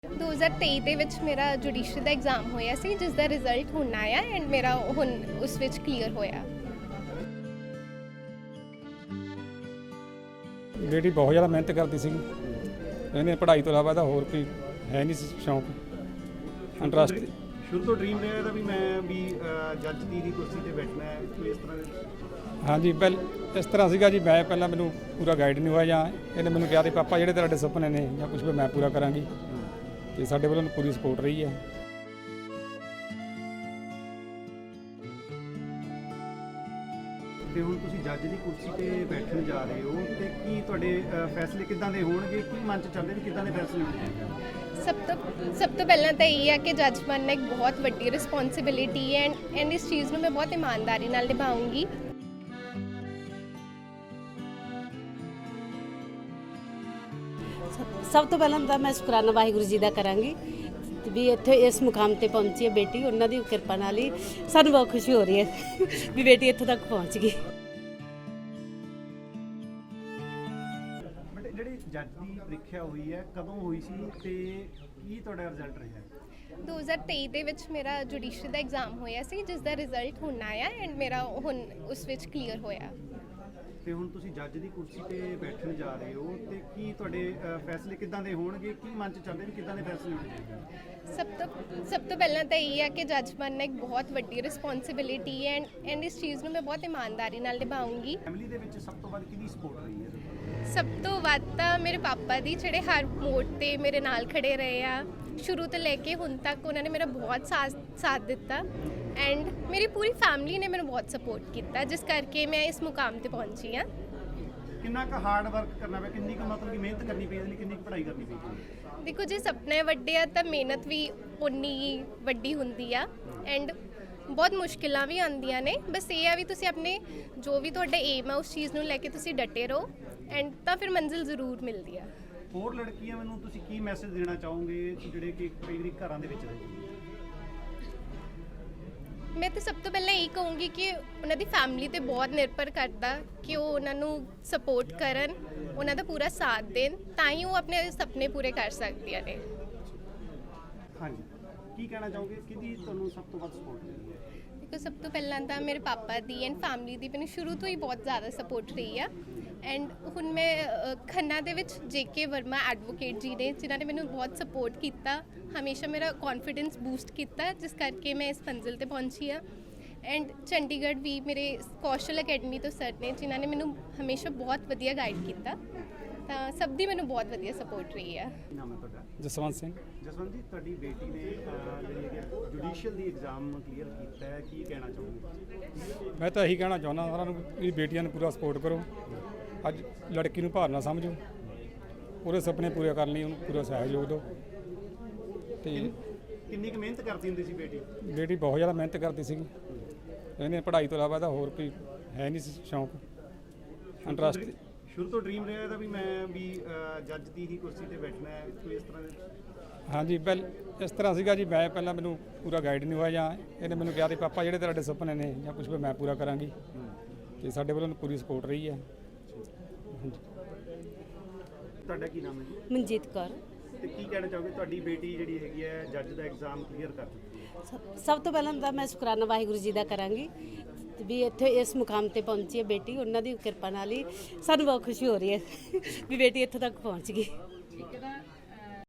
2023 ਦੇ ਵਿੱਚ ਮੇਰਾ ਜੁਡੀਸ਼ਰੀ ਦਾ ਐਗਜ਼ਾਮ ਹੋਇਆ ਸੀ, ਜਿਸ ਦਾ ਰਿਜ਼ਲਟ ਹੁਣ ਆਇਆ ਐਂਡ ਮੇਰਾ ਹੁਣ ਉਸ ਵਿੱਚ ਕਲੀਅਰ ਹੋਇਆ। ਬੇਟੀ ਬਹੁਤ ਜ਼ਿਆਦਾ ਮਿਹਨਤ ਕਰਦੀ ਸੀ। ਇਹਨੇ ਪੜ੍ਹਾਈ ਤੋਂ ਇਲਾਵਾ ਇਹਦਾ ਹੋਰ ਕੋਈ ਹੈ ਨਹੀਂ ਸੀ ਸ਼ੌਂਕ, ਇੰਟਰਸਟ। ਸ਼ੁਰੂ ਤੋਂ ਡ੍ਰੀਮ ਰਿਹਾ ਇਹਦਾ ਵੀ ਮੈਂ ਵੀ ਜੱਜ ਦੀ ਕੁਰਸੀ ਤੇ ਬੈਠਣਾ ਹੈ, ਕੋਈ ਇਸ ਤਰ੍ਹਾਂ ਦੇ? ਹਾਂਜੀ, ਇਸ ਤਰ੍ਹਾਂ ਸੀਗਾ ਜੀ। ਮੈਂ ਪਹਿਲਾਂ ਮੈਨੂੰ ਪੂਰਾ ਗਾਈਡ ਨਹੀਂ ਹੋਇਆ, ਜਾਂ ਇਹਨੇ ਮੈਨੂੰ ਕਿਹਾ ਤੇ ਪਾਪਾ ਜਿਹੜੇ ਤੁਹਾਡੇ ਸੁਪਨੇ ਨੇ ਜਾਂ ਕੁਝ ਵੀ ਮੈਂ ਪੂਰਾ ਕਰਾਂਗੀ, ਤੇ ਸਾਡੇ ਵੱਲੋਂ ਪੂਰੀ ਸਪੋਰਟ ਰਹੀ ਹੈ। ਤੇ ਹੁਣ ਤੁਸੀਂ ਜੱਜ ਦੀ ਕੁਰਸੀ ਤੇ ਬੈਠਣ ਜਾ ਰਹੇ ਹੋ, ਤੇ ਕੀ ਤੁਹਾਡੇ ਫੈਸਲੇ ਕਿੱਦਾਂ ਦੇ ਹੋਣਗੇ? ਕੀ ਮਨ 'ਚ ਚੱਲਦੇ ਨੇ ਕਿੱਦਾਂ ਦੇ ਫੈਸਲੇ ਹੋਣਗੇ? ਸਭ ਤੋਂ ਪਹਿਲਾਂ ਤਾਂ ਇਹ ਹੈ ਕਿ ਜੱਜ ਬਣਨਾ ਇੱਕ ਬਹੁਤ ਵੱਡੀ ਰਿਸਪੌਂਸਿਬਿਲਿਟੀ ਹੈ ਐਂਡ ਇਸ ਚੀਜ਼ ਨੂੰ ਮੈਂ ਬਹੁਤ ਇਮਾਨਦਾਰੀ ਨਾਲ ਨਿਭਾਉਂਗੀ। ਸਭ ਤੋਂ ਪਹਿਲਾਂ ਤਾਂ ਮੈਂ ਸ਼ੁਕਰਾਨਾ ਵਾਹਿਗੁਰੂ ਜੀ ਦਾ ਕਰਾਂਗੀ ਵੀ ਇੱਥੇ ਇਸ ਮੁਕਾਮ ਤੇ ਪਹੁੰਚੀ ਹੈ ਬੇਟੀ। ਉਹਨਾਂ ਦੀ ਕਿਰਪਾ ਨਾਲ ਹੀ ਸਾਨੂੰ ਬਹੁਤ ਖੁਸ਼ੀ ਹੋ ਰਹੀ ਹੈ ਵੀ ਬੇਟੀ ਇੱਥੋਂ ਤੱਕ ਪਹੁੰਚ ਗਈ। ਬਟ ਜਿਹੜੀ ਜੱਜ ਦੀ ਪ੍ਰੀਖਿਆ ਹੋਈ ਹੈ, ਕਦੋਂ ਹੋਈ ਸੀ ਤੇ ਕੀ ਤੁਹਾਡਾ ਰਿਜ਼ਲਟ ਰਿਹਾ? 2023 ਦੇ ਵਿੱਚ ਮੇਰਾ ਜੁਡੀਸ਼ਰੀ ਦਾ ਐਗਜ਼ਾਮ ਹੋਇਆ ਸੀ, ਜਿਸ ਦਾ ਰਿਜ਼ਲਟ ਹੁਣ ਆਇਆ ਐਂਡ ਮੇਰਾ ਹੁਣ ਉਸ ਵਿੱਚ ਕਲੀਅਰ ਹੋਇਆ। ਤੇ ਹੁਣ ਤੁਸੀਂ ਜੱਜ ਦੀ ਕੁਰਸੀ ਤੇ ਬੈਠਣ ਜਾ ਰਹੇ ਹੋ, ਤੇ ਕੀ ਤੁਹਾਡੇ ਫੈਸਲੇ ਕਿੱਦਾਂ ਦੇ ਹੋਣਗੇ? ਕੀ ਮਨ 'ਚ ਚੱਲਦੇ ਨੇ ਕਿੱਦਾਂ ਦੇ ਫੈਸਲੇ ਹੋਣਗੇ? ਸਭ ਤੋਂ ਪਹਿਲਾਂ ਤਾਂ ਇਹ ਹੈ ਕਿ ਜੱਜ ਬਣਨਾ ਇੱਕ ਬਹੁਤ ਵੱਡੀ ਰਿਸਪੌਂਸਿਬਿਲਿਟੀ ਹੈ ਐਂਡ ਇਸ ਚੀਜ਼ ਨੂੰ ਮੈਂ ਬਹੁਤ ਇਮਾਨਦਾਰੀ ਨਾਲ ਨਿਭਾਉਂਗੀ। ਫੈਮਿਲੀ ਦੇ ਵਿੱਚ ਸਭ ਤੋਂ ਵੱਧ ਕਿਹਦੀ ਸਪੋਰਟ ਰਹੀ ਹੈ? ਸਭ ਤੋਂ ਵੱਧ ਤਾਂ ਮੇਰੇ ਪਾਪਾ ਦੀ, ਜਿਹੜੇ ਹਰ ਮੋੜ ਤੇ ਮੇਰੇ ਨਾਲ ਖੜੇ ਰਹੇ ਆ ਸ਼ੁਰੂ ਤੋਂ ਲੈ ਕੇ ਹੁਣ ਤੱਕ। ਉਹਨਾਂ ਨੇ ਮੇਰਾ ਬਹੁਤ ਸਾਥ ਦਿੱਤਾ ਐਂਡ ਮੇਰੀ ਪੂਰੀ ਫੈਮਿਲੀ ਨੇ ਮੈਨੂੰ ਬਹੁਤ ਸਪੋਰਟ ਕੀਤਾ, ਜਿਸ ਕਰਕੇ ਮੈਂ ਇਸ ਮੁਕਾਮ ਤੇ ਪਹੁੰਚੀ ਹਾਂ। ਕਿੰਨਾ ਕੁ ਹਾਰਡ ਵਰਕ ਕਰਨਾ ਪਿਆ, ਕਿੰਨੀ ਕੁ ਮਤਲਬ ਕਿ ਮਿਹਨਤ ਕਰਨੀ ਪਈ, ਇਹਦੇ ਲਈ ਕਿੰਨੀ ਕੁ ਪੜ੍ਹਾਈ ਕਰਨੀ ਪਈ? ਦੇਖੋ, ਜੇ ਸੁਪਨੇ ਵੱਡੇ ਆ ਤਾਂ ਮਿਹਨਤ ਵੀ ਉਨੀ ਹੀ ਵੱਡੀ ਹੁੰਦੀ ਆ ਐਂਡ ਬਹੁਤ ਮੁਸ਼ਕਿਲਾਂ ਵੀ ਆਉਂਦੀਆਂ ਨੇ। ਬਸ ਇਹ ਆ ਵੀ ਤੁਸੀਂ ਆਪਣੇ ਜੋ ਵੀ ਤੁਹਾਡਾ ਏਮ ਆ ਉਸ ਚੀਜ਼ ਨੂੰ ਲੈ ਕੇ ਤੁਸੀਂ ਡਟੇ ਰਹੋ ਐਂਡ ਤਾਂ ਫਿਰ ਮੰਜ਼ਿਲ ਜ਼ਰੂਰ ਮਿਲਦੀ ਆ। ਹੋਰ ਲੜਕੀਆਂ ਮੈਨੂੰ ਤੁਸੀਂ ਕੀ ਮੈਸੇਜ ਦੇਣਾ ਚਾਹੋਗੇ ਜਿਹੜੇ ਕਿ ਕਈ ਵਾਰੀ ਘਰਾਂ ਦੇ ਵਿੱਚ ਰਹਿੰਦੇ? ਮੈਂ ਤਾਂ ਸਭ ਤੋਂ ਪਹਿਲਾਂ ਇਹ ਕਹੂੰਗੀ ਕਿ ਉਹਨਾਂ ਦੀ ਫੈਮਿਲੀ ਤੇ ਬਹੁਤ ਨਿਰਭਰ ਕਰਦਾ ਕਿ ਉਹ ਉਹਨਾਂ ਨੂੰ ਸਪੋਰਟ ਕਰਨ, ਉਹਨਾਂ ਦਾ ਪੂਰਾ ਸਾਥ ਦੇਣ, ਤਾਂ ਹੀ ਉਹ ਆਪਣੇ ਸੁਪਨੇ ਪੂਰੇ ਕਰ ਸਕਦੀਆਂ ਨੇ। ਹਾਂਜੀ, ਕੀ ਕਹਿਣਾ ਚਾਹੋਗੇ? ਕਿਹਦੀ ਤੁਹਾਨੂੰ ਸਭ ਤੋਂ ਵੱਧ ਸਪੋਰਟ ਮਿਲੀ ਹੈ? ਦੇਖੋ, ਸਭ ਤੋਂ ਪਹਿਲਾਂ ਤਾਂ ਮੇਰੇ ਪਾਪਾ ਦੀ ਐਂਡ ਫੈਮਿਲੀ ਦੀ ਮੈਨੂੰ ਸ਼ੁਰੂ ਤੋਂ ਹੀ ਬਹੁਤ ਜ਼ਿਆਦਾ ਸਪੋਰਟ ਰਹੀ ਆ ਐਂਡ ਹੁਣ ਮੈਂ ਖੰਨਾ ਦੇ ਵਿੱਚ JK ਵਰਮਾ ਐਡਵੋਕੇਟ ਜੀ ਨੇ, ਜਿਨ੍ਹਾਂ ਨੇ ਮੈਨੂੰ ਬਹੁਤ ਸਪੋਰਟ ਕੀਤਾ, ਹਮੇਸ਼ਾ ਮੇਰਾ ਕੌਨਫੀਡੈਂਸ ਬੂਸਟ ਕੀਤਾ, ਜਿਸ ਕਰਕੇ ਮੈਂ ਇਸ ਮੰਜ਼ਿਲ ਤੇ ਪਹੁੰਚੀ ਆ। ਐਂਡ ਚੰਡੀਗੜ੍ਹ ਵੀ ਮੇਰੇ ਕੌਸ਼ਲ ਅਕੈਡਮੀ ਤੋਂ ਸਰ ਨੇ, ਜਿਨ੍ਹਾਂ ਨੇ ਮੈਨੂੰ ਹਮੇਸ਼ਾ ਬਹੁਤ ਵਧੀਆ ਗਾਈਡ ਕੀਤਾ। ਤਾਂ ਸਭ ਦੀ ਮੈਨੂੰ ਬਹੁਤ ਵਧੀਆ ਸਪੋਰਟ ਰਹੀ ਆ। ਕੀ ਨਾਮ ਹੈ ਤੁਹਾਡਾ? ਜਸਵੰਤ ਸਿੰਘ। ਜਸਵੰਤ ਜੀ, ਤੁਹਾਡੀ ਬੇਟੀ ਨੇ ਜਿਹੜੀ ਹੈ ਜੁਡੀਸ਼ੀਅਲ ਦੀ ਐਗਜ਼ਾਮ ਕਲੀਅਰ ਕੀਤਾ ਹੈ, ਕੀ ਕਹਿਣਾ ਚਾਹੋਗੇ? ਮੈਂ ਤਾਂ ਇਹੀ ਕਹਿਣਾ ਚਾਹੁੰਦਾ ਸਾਰਿਆਂ ਨੂੰ ਵੀ ਬੇਟੀਆਂ ਨੂੰ ਪੂਰਾ ਸਪੋਰਟ ਕਰੋ। ਅੱਜ ਲੜਕੀ ਨੂੰ ਭਾਰ ਨਾ ਸਮਝੋ, ਉਹਦੇ ਸੁਪਨੇ ਪੂਰੇ ਕਰਨ ਲਈ ਉਹਨੂੰ ਪੂਰਾ ਸਹਿਯੋਗ ਦਿਓ। ਤੇ ਕਿੰਨੀ ਕੁ ਮਿਹਨਤ ਕਰਦੀ ਹੁੰਦੀ ਸੀ ਬੇਟੀ? ਬੇਟੀ ਬਹੁਤ ਜ਼ਿਆਦਾ ਮਿਹਨਤ ਕਰਦੀ ਸੀਗੀ। ਇਹਨੇ ਪੜ੍ਹਾਈ ਤੋਂ ਇਲਾਵਾ ਇਹਦਾ ਹੋਰ ਕੋਈ ਹੈ ਨਹੀਂ ਸੀ ਸ਼ੌਂਕ, ਇੰਟਰਸਟ। ਸ਼ੁਰੂ ਤੋਂ ਡ੍ਰੀਮ ਰਿਹਾ ਇਹਦਾ ਵੀ ਮੈਂ ਵੀ ਜੱਜ ਦੀ ਹੀ ਕੁਰਸੀ ਤੇ ਬੈਠਣਾ ਹੈ, ਕੋਈ ਇਸ ਤਰ੍ਹਾਂ ਦੇ? ਹਾਂਜੀ, ਇਸ ਤਰ੍ਹਾਂ ਸੀਗਾ ਜੀ। ਮੈਂ ਪਹਿਲਾਂ ਮੈਨੂੰ ਪੂਰਾ ਗਾਈਡ ਨਹੀਂ ਹੋਇਆ, ਜਾਂ ਇਹਨੇ ਮੈਨੂੰ ਕਿਹਾ ਤੇ ਪਾਪਾ ਜਿਹੜੇ ਤੁਹਾਡੇ ਸੁਪਨੇ ਨੇ ਜਾਂ ਕੁਝ ਵੀ ਮੈਂ ਪੂਰਾ ਕਰਾਂਗੀ, ਤੇ ਸਾਡੇ ਵੱਲੋਂ ਪੂਰੀ ਸਪੋਰਟ ਰਹੀ ਹੈ। ਤੁਹਾਡਾ ਕੀ ਨਾਮ ਹੈ ਜੀ? ਮਨਜੀਤ ਕੌਰ। ਤੇ ਕੀ ਕਹਿਣਾ ਚਾਹੋਗੇ? ਤੁਹਾਡੀ ਬੇਟੀ ਜਿਹੜੀ ਹੈਗੀ ਹੈ ਜੱਜ ਦਾ ਐਗਜ਼ਾਮ ਕਲੀਅਰ ਕਰ ਚੁੱਕੀ ਹੈ। ਸਭ ਤੋਂ ਪਹਿਲਾਂ ਤਾਂ ਮੈਂ ਸ਼ੁਕਰਾਨਾ ਵਾਹਿਗੁਰੂ ਜੀ ਦਾ ਕਰਾਂਗੀ ਵੀ ਇੱਥੇ ਇਸ ਮੁਕਾਮ ਤੇ ਪਹੁੰਚੀ ਹੈ ਬੇਟੀ। ਉਹਨਾਂ ਦੀ ਕਿਰਪਾ ਨਾਲ ਹੀ ਸਾਨੂੰ ਬਹੁਤ ਖੁਸ਼ੀ ਹੋ ਰਹੀ ਹੈ ਵੀ ਬੇਟੀ ਇੱਥੋਂ ਤੱਕ ਪਹੁੰਚ ਗਈ।